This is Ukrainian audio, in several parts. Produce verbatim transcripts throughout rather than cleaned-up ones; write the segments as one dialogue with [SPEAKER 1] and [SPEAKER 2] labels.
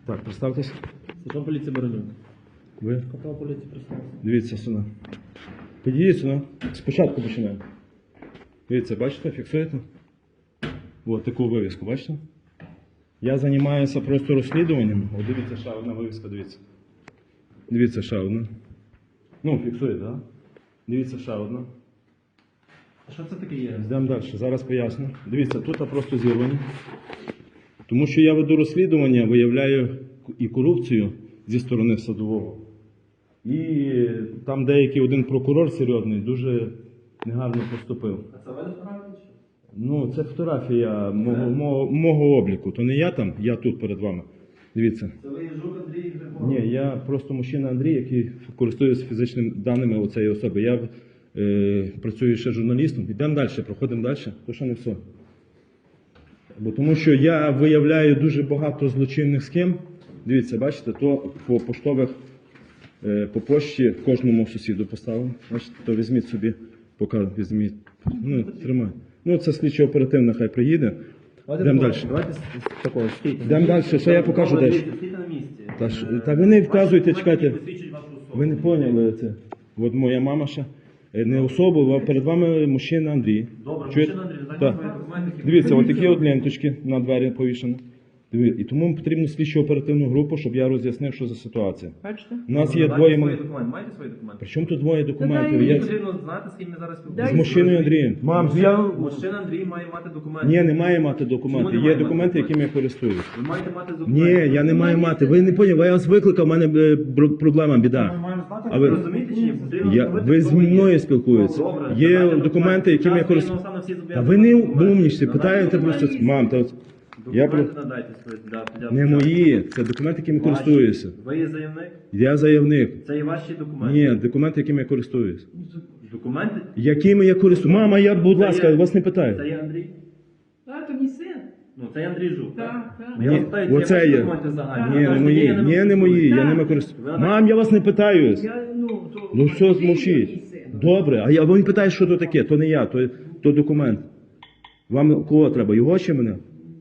[SPEAKER 1] Так, представтесь.
[SPEAKER 2] Сержант поліції Баранюк.
[SPEAKER 1] Ви?
[SPEAKER 2] Капітан поліції представився.
[SPEAKER 1] Дивіться сюди. Підійдіть сюди. Спочатку починаємо. Дивіться, бачите, фіксуєте? Ось таку вивіску, бачите? Я займаюся просто розслідуванням. О, дивіться, ще одна вивіска, дивіться. Дивіться, ще одна. Ну, фіксуєте, так? Да? Дивіться, ще одна.
[SPEAKER 2] А що це таке є?
[SPEAKER 1] Йдемо далі, зараз поясню. Дивіться, тут просто зірвані. Тому що я веду розслідування, виявляю і корупцію зі сторони садового. І там деякий один прокурор серйозний дуже негарно поступив.
[SPEAKER 2] А це ви не вправді?
[SPEAKER 1] Ну, це фотографія мого, мого, мого обліку. То не я там, я тут перед вами. Дивіться.
[SPEAKER 2] Це ви Жук Андрій Григорович?
[SPEAKER 1] Ні, я просто мужчина Андрій, який користується фізичними даними у цієї особи. Я е, працюю ще журналістом. Йдемо далі, проходимо далі. То ще не все. Бо тому що я виявляю дуже багато злочинних схем. Дивіться, бачите, то по поштових, е, по пошті кожному сусіду поставив. Бачите, то візьміть собі, поки візьміть. Ну, тримай. Ну, це слідчо-оперативна, хай приїде. Йдемо далі.
[SPEAKER 2] Давайте з з такого, стійте.
[SPEAKER 1] Йдемо далі, ще я покажу
[SPEAKER 2] Добре,
[SPEAKER 1] десь.
[SPEAKER 2] дивіться, стійте на місці.
[SPEAKER 1] Та, ж-
[SPEAKER 2] Е,
[SPEAKER 1] та ви не вказуйте,
[SPEAKER 2] ваші
[SPEAKER 1] чекайте.
[SPEAKER 2] документи посвідчують вашу особу.
[SPEAKER 1] Ви не поняли це. От моя мама ще. Е, Не особу, а перед вами мужчина Андрій.
[SPEAKER 2] Добре,
[SPEAKER 1] Чуєте?
[SPEAKER 2] мужчина Андрій, дайте
[SPEAKER 1] Так.
[SPEAKER 2] свої документи. які
[SPEAKER 1] Дивіться,
[SPEAKER 2] ви-
[SPEAKER 1] от такі от ленточки на двері повішені. Диві- І тому потрібно слідчо оперативну групу, щоб я роз'яснив, що за ситуація.
[SPEAKER 3] Бачите?
[SPEAKER 1] У нас є
[SPEAKER 2] Дайте
[SPEAKER 1] двоє.
[SPEAKER 2] свої
[SPEAKER 1] мали-
[SPEAKER 2] документи. Маєте свої документи?
[SPEAKER 1] Причому тут двоє документів?
[SPEAKER 3] дай
[SPEAKER 1] Я...
[SPEAKER 2] Мені потрібно знати, з ким ми зараз
[SPEAKER 1] З
[SPEAKER 2] спілкуємося.
[SPEAKER 1] мужчиною Андрієм. Мам, я...
[SPEAKER 2] Мужчина Андрій має мати документи.
[SPEAKER 1] Ні, не має мати
[SPEAKER 2] Чому
[SPEAKER 1] документи.
[SPEAKER 2] не
[SPEAKER 1] Є
[SPEAKER 2] має
[SPEAKER 1] документи,
[SPEAKER 2] мати
[SPEAKER 1] якими я користуюсь.
[SPEAKER 2] Ви маєте мати
[SPEAKER 1] Ні,
[SPEAKER 2] документи.
[SPEAKER 1] я не маю мати. Ви не поняли, я вас викликав, у мене е, бр- проблема, біда. А
[SPEAKER 2] Ви
[SPEAKER 1] ви...
[SPEAKER 2] розумієте чи ні? Потрібно
[SPEAKER 1] Я...
[SPEAKER 2] встановити,
[SPEAKER 1] Ви
[SPEAKER 2] хто
[SPEAKER 1] з
[SPEAKER 2] ви є.
[SPEAKER 1] мною спілкуєтеся.
[SPEAKER 2] Добре,
[SPEAKER 1] Є
[SPEAKER 2] давайте
[SPEAKER 1] документи, якими я
[SPEAKER 2] Час
[SPEAKER 1] користуюсь.
[SPEAKER 2] воєнного стану всі
[SPEAKER 1] Та
[SPEAKER 2] зобов'язані
[SPEAKER 1] ви не
[SPEAKER 2] документи.
[SPEAKER 1] умнічте,
[SPEAKER 2] Надайте
[SPEAKER 1] питаєте
[SPEAKER 2] документи.
[SPEAKER 1] просто. Мам, та... Я... про-
[SPEAKER 2] Документи надайте свої. Да, для
[SPEAKER 1] Не
[SPEAKER 2] початку.
[SPEAKER 1] мої, це документи, якими
[SPEAKER 2] Ваші.
[SPEAKER 1] користуюся.
[SPEAKER 2] Ви є заявник?
[SPEAKER 1] Я заявник.
[SPEAKER 2] Це і ваші документи?
[SPEAKER 1] Ні, документи, якими я користуюсь.
[SPEAKER 2] Документи?
[SPEAKER 1] Якими я користуюсь? Мама, я, будь
[SPEAKER 2] Це
[SPEAKER 1] ласка,
[SPEAKER 2] є-
[SPEAKER 1] вас не
[SPEAKER 2] Це
[SPEAKER 1] питаю.
[SPEAKER 2] є Андрій?
[SPEAKER 3] А, то мій син.
[SPEAKER 2] Ну, це є Андрій Жук, так?
[SPEAKER 3] Так, так.
[SPEAKER 2] Я
[SPEAKER 1] Ні,
[SPEAKER 2] вас питаю, це
[SPEAKER 1] оце
[SPEAKER 2] ваші
[SPEAKER 1] є.
[SPEAKER 2] документи загальні?
[SPEAKER 1] Ні,
[SPEAKER 2] Ви
[SPEAKER 1] не
[SPEAKER 2] кажете,
[SPEAKER 1] мої.
[SPEAKER 2] я
[SPEAKER 1] Ні, не мої, я
[SPEAKER 3] Так.
[SPEAKER 1] ними користуюсь.
[SPEAKER 2] Ви
[SPEAKER 1] Мам, я вас не питаюсь.
[SPEAKER 3] Я, ну, то,
[SPEAKER 1] Ну все,
[SPEAKER 3] мій
[SPEAKER 1] мовчіть.
[SPEAKER 3] син.
[SPEAKER 1] Добре, а я він питає, що то таке, то не я, то, то документ. Вам кого треба, його чи мене?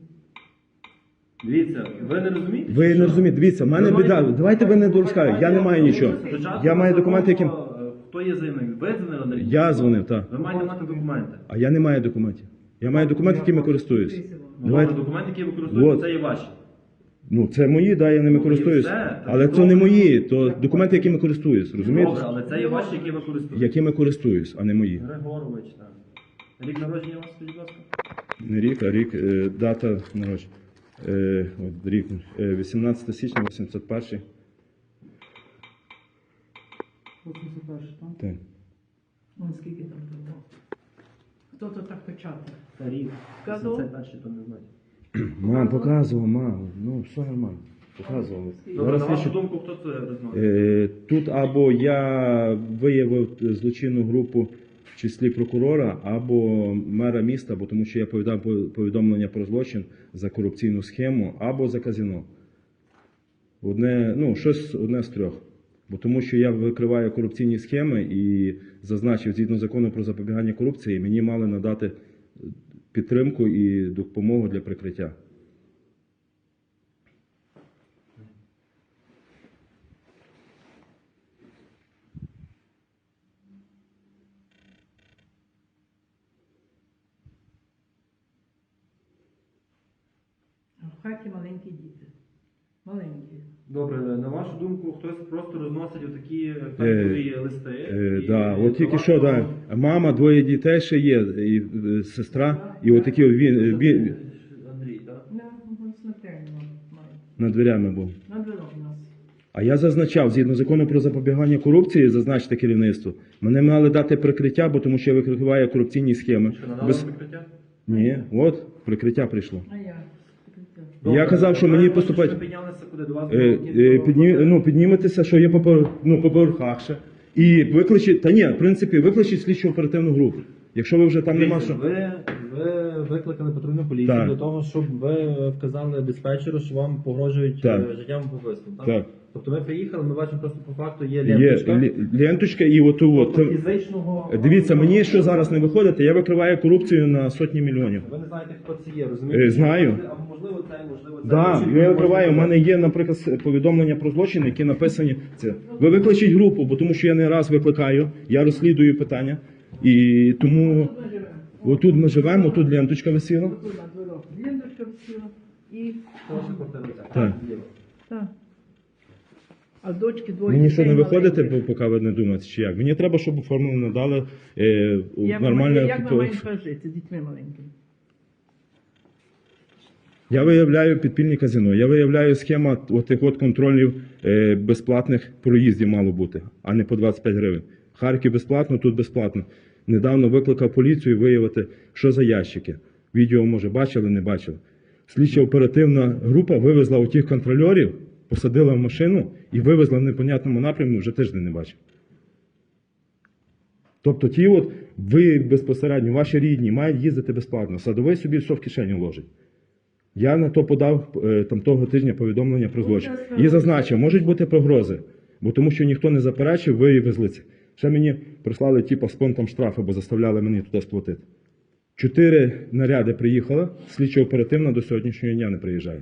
[SPEAKER 2] Дивіться, ви не розумієте?
[SPEAKER 1] Ви
[SPEAKER 2] що?
[SPEAKER 1] не розумієте, дивіться, в мене
[SPEAKER 2] Ви
[SPEAKER 1] біда.
[SPEAKER 2] маєте-
[SPEAKER 1] Давайте ви не дорускаєте, я не маю нічого.
[SPEAKER 2] Спочатку
[SPEAKER 1] Я маю
[SPEAKER 2] законно,
[SPEAKER 1] документи, яким...
[SPEAKER 2] е, Хто є заявник? Ви дзвонили Андрій?
[SPEAKER 1] Я дзвонив, так.
[SPEAKER 2] Ви маєте мати документи.
[SPEAKER 1] А я не маю документів. Я маю документи, якими користуюсь.
[SPEAKER 2] Ну,
[SPEAKER 1] Давайте.
[SPEAKER 2] добре, документи, які ви використовуєте,
[SPEAKER 1] Вот.
[SPEAKER 2] це є ваші.
[SPEAKER 1] Ну, це мої, да, я ними
[SPEAKER 2] Ну,
[SPEAKER 1] користуюсь.
[SPEAKER 2] і все.
[SPEAKER 1] Але
[SPEAKER 2] Так,
[SPEAKER 1] це не
[SPEAKER 2] добре.
[SPEAKER 1] мої, то документи, якими користуюсь, розумієте?
[SPEAKER 2] Добре, але це є ваші, які ви користуєтесь.
[SPEAKER 1] Якими користуюсь, а не мої.
[SPEAKER 2] Григорович, так. Рік народження у вас, скажіть, будь ласка?
[SPEAKER 1] Не рік, а рік, е, дата народження. Е, от рік, е, вісімнадцяте січня, вісімдесят перший.
[SPEAKER 3] вісімдесят перший, так?
[SPEAKER 1] Так.
[SPEAKER 3] Вон скільки там було. Хто то так печатав?
[SPEAKER 2] Це рік.
[SPEAKER 3] Казав?
[SPEAKER 2] Це перший, то не знаю.
[SPEAKER 1] Мам, показував, мам. Ну, все нормально. Показував.
[SPEAKER 2] Добре, на
[SPEAKER 1] Зараз
[SPEAKER 2] вашу
[SPEAKER 1] ще-
[SPEAKER 2] думку, хто це розносить?
[SPEAKER 1] Е, Тут або я виявив злочинну групу в числі прокурора, або мера міста, бо тому що я повідав повідомлення про злочин за корупційну схему, або за казино. Одне, ну, щось одне з трьох. Бо тому що я викриваю корупційні схеми і зазначив, згідно закону про запобігання корупції, мені мали надати підтримку і допомогу для прикриття.
[SPEAKER 3] А в хаті маленькі діти. Маленькі.
[SPEAKER 2] Добре, на вашу думку, хтось просто розносить отакі фейкові листи?
[SPEAKER 1] Е,
[SPEAKER 2] і-
[SPEAKER 1] да,
[SPEAKER 2] і
[SPEAKER 1] от тільки
[SPEAKER 2] до
[SPEAKER 1] що,
[SPEAKER 2] вашого-
[SPEAKER 1] да, мама, двоє дітей ще є, і е, сестра, і отакі він,
[SPEAKER 2] Це
[SPEAKER 1] він
[SPEAKER 2] Андрій, так?
[SPEAKER 3] На, вон смертельно має.
[SPEAKER 1] над дверями був.
[SPEAKER 3] На дорогу нас.
[SPEAKER 1] А я зазначав, згідно закону про запобігання корупції, зазначте керівництво, мене мали дати прикриття, бо тому що я викриваю корупційні схеми.
[SPEAKER 2] Що, надали
[SPEAKER 1] Без...
[SPEAKER 2] прикриття?
[SPEAKER 1] Ні, от, прикриття прийшло.
[SPEAKER 3] А я.
[SPEAKER 1] Я казав, що
[SPEAKER 2] ви
[SPEAKER 1] мені
[SPEAKER 2] кажете,
[SPEAKER 1] поступать-
[SPEAKER 2] що ви піднялися куди до вас?
[SPEAKER 1] Е,
[SPEAKER 2] було
[SPEAKER 1] е,
[SPEAKER 2] кілька
[SPEAKER 1] підні...
[SPEAKER 2] років?
[SPEAKER 1] ну, підніметеся, що є по, повер- ну, по поверхах ще. І викличіть, та ні, в принципі, викличіть слідчу оперативну групу. Якщо ви вже там нема
[SPEAKER 2] Дивіться,
[SPEAKER 1] що.
[SPEAKER 2] Ви, ви викликали патрульну поліцію
[SPEAKER 1] Так.
[SPEAKER 2] для того, щоб ви вказали диспетчеру, що вам погрожують
[SPEAKER 1] Так.
[SPEAKER 2] е, життям вбивством. Так?
[SPEAKER 1] Так.
[SPEAKER 2] Тобто ми приїхали, ми бачимо просто по факту є
[SPEAKER 1] Є
[SPEAKER 2] ленточка.
[SPEAKER 1] лі- ленточка і оту от.
[SPEAKER 2] Тобто фізичного...
[SPEAKER 1] Дивіться, мені що зараз не виходить, я викриваю корупцію на сотні мільйонів.
[SPEAKER 2] Ви не знаєте, хто це є, розумієте?
[SPEAKER 1] Е, знаю.
[SPEAKER 2] Або можливо це, можливо це.
[SPEAKER 1] Да,
[SPEAKER 2] Чітко
[SPEAKER 1] я
[SPEAKER 2] не
[SPEAKER 1] викриваю. У
[SPEAKER 2] можна
[SPEAKER 1] мене є, наприклад, повідомлення про злочин, які написані. Це ви викличіть групу, бо тому що я не раз викликаю, я розслідую питання. І тому
[SPEAKER 3] Тут ми живемо.
[SPEAKER 1] отут ми живемо, тут ленточка висіла.
[SPEAKER 3] Тут на дворах ліндочка висіла. І...
[SPEAKER 2] Ваша квартира ця.
[SPEAKER 1] Так.
[SPEAKER 2] Зліва.
[SPEAKER 3] Так. А дочки двоє.
[SPEAKER 1] Мені що не
[SPEAKER 3] дітей
[SPEAKER 1] виходите,
[SPEAKER 3] маленьких.
[SPEAKER 1] бо поки ви не думаєте, чи як. Мені треба, щоб оформили, надали е,
[SPEAKER 3] Як,
[SPEAKER 1] нормальне.
[SPEAKER 3] ми, як ми
[SPEAKER 1] то-
[SPEAKER 3] маємо жити з дітьми маленькими?
[SPEAKER 1] Я виявляю підпільні казино, я виявляю схема отих от контролів е, безплатних проїздів мало бути, а не по двадцять п'ять гривень. Харків безплатно, тут безплатно. Недавно викликав поліцію виявити, що за ящики. Відео, може, бачили, не бачили. Слідча оперативна група вивезла у тих контрольорів, посадила в машину і вивезла в непонятному напрямку, вже тиждень не бачив. Тобто ті от, ви безпосередньо, ваші рідні, мають їздити безплатно. Садовий собі все в кишеню ложить. Я на то подав е, там того тижня повідомлення про злочин. І зазначив, можуть бути погрози, бо тому що ніхто не заперечив, ви везли це. Ще мені прислали типу, з понтом штрафи, бо заставляли мені туди сплатити. Чотири наряди приїхали, слідчо оперативно до сьогоднішнього дня не приїжджає.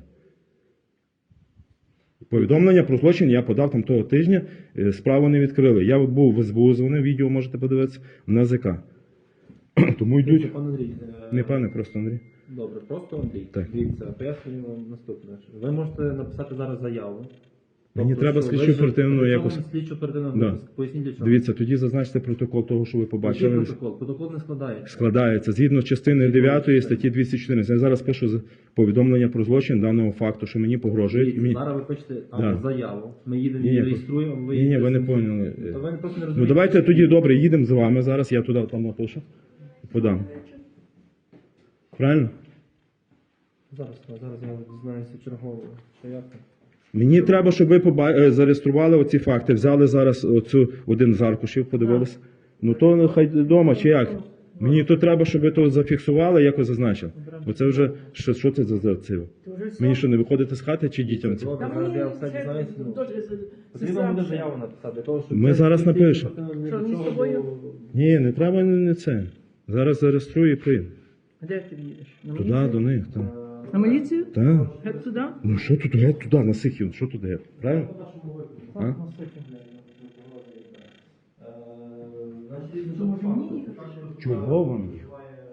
[SPEAKER 1] Повідомлення про злочин я подав там того тижня, е, справу не відкрили. Я був в ес бе у, дзвонив, відео можете подивитися, в ен зе ка. Тому йдуть,
[SPEAKER 2] Пан Андрій, е,
[SPEAKER 1] не пане, просто Андрій.
[SPEAKER 2] Добре, просто Андрій.
[SPEAKER 1] Так.
[SPEAKER 2] Дивіться, пояснюю вам наступне. Ви можете написати зараз заяву.
[SPEAKER 1] Мені
[SPEAKER 2] Тобто,
[SPEAKER 1] треба
[SPEAKER 2] що ви
[SPEAKER 1] слідчу
[SPEAKER 2] ще-
[SPEAKER 1] оперативну
[SPEAKER 2] для чого
[SPEAKER 1] якось-
[SPEAKER 2] вам слідчу оперативну
[SPEAKER 1] Да.
[SPEAKER 2] групу? Поясніть для чого.
[SPEAKER 1] Дивіться, тоді зазначте протокол того, що ви
[SPEAKER 2] Який
[SPEAKER 1] побачили.
[SPEAKER 2] протокол? Протокол не складається.
[SPEAKER 1] Складається згідно частини дев'ятої статті двісті чотирнадцять. Я зараз пишу з- повідомлення про злочин даного факту, що мені погрожують.
[SPEAKER 2] Дивіться,
[SPEAKER 1] Мені...
[SPEAKER 2] Зараз ви пишете там
[SPEAKER 1] Да.
[SPEAKER 2] заяву. Ми їдемо
[SPEAKER 1] Ні,
[SPEAKER 2] її
[SPEAKER 1] ні,
[SPEAKER 2] реєструємо.
[SPEAKER 1] Ні, ні, ви не
[SPEAKER 2] їдете-
[SPEAKER 1] поняли.
[SPEAKER 2] То ви просто не
[SPEAKER 1] Ну
[SPEAKER 2] розумієте.
[SPEAKER 1] давайте тоді добре, їдемо з вами зараз, я туди там напишу. Подам. Правильно?
[SPEAKER 2] Зараз, зараз я дізнаюся чергово. Що як там?
[SPEAKER 1] Мені треба, щоб ви поба... е, зареєстрували оці факти, взяли зараз оцю один з аркушів, подивилися. Ну то нехай вдома чи як? Мені то треба, щоб ви то зафіксували, якось зазначили. Бо це вже що, що це за за це?
[SPEAKER 3] Ти вже все?
[SPEAKER 1] Мені що не виходити з хати чи дітям це?
[SPEAKER 2] Добре,
[SPEAKER 3] Та
[SPEAKER 2] зараз
[SPEAKER 3] мені
[SPEAKER 2] я все
[SPEAKER 3] це
[SPEAKER 2] дізнаюся. ну.
[SPEAKER 3] дуже
[SPEAKER 2] Потрібно
[SPEAKER 3] сестра
[SPEAKER 2] буде
[SPEAKER 3] все.
[SPEAKER 2] заяву написати для того, щоб
[SPEAKER 1] Ми
[SPEAKER 2] це
[SPEAKER 1] зараз
[SPEAKER 2] слідчі
[SPEAKER 1] напишемо.
[SPEAKER 2] оперативно ні
[SPEAKER 3] Що,
[SPEAKER 2] до
[SPEAKER 3] ні з
[SPEAKER 2] чого,
[SPEAKER 3] тобою?
[SPEAKER 2] бо-
[SPEAKER 1] Ні, не треба не це. Зараз зареєструю і прийду.
[SPEAKER 3] Де ти їдеш? На
[SPEAKER 1] Туди,
[SPEAKER 3] міліцію?
[SPEAKER 1] до них. Там.
[SPEAKER 3] На міліцію?
[SPEAKER 1] Так.
[SPEAKER 3] Геть туди?
[SPEAKER 1] Ну що тут геть туди, на Сихів, що тут геть? Правильно? А?
[SPEAKER 2] Е, значить,
[SPEAKER 3] То може мені їхати?
[SPEAKER 1] Чого вам їх?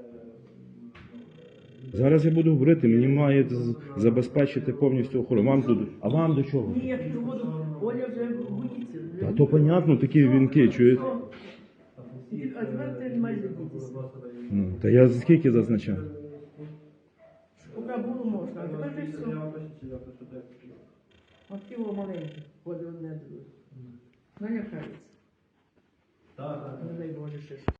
[SPEAKER 1] Зараз я буду говорити, мені має з- забезпечити повністю охорону. Вам тут, а вам до чого?
[SPEAKER 3] Ні, я ж буду. Оля вже боїться.
[SPEAKER 1] А то понятно, такі вінки, чуєте?
[SPEAKER 3] А тепер ти не маєш дітися.
[SPEAKER 1] Ну, та я скільки зазначав?
[SPEAKER 3] Поки було можна, а тепер вже все. От тіло маленьке, ходить одне друге. Налякається.
[SPEAKER 2] Так, так.
[SPEAKER 3] Не дай Боже щось.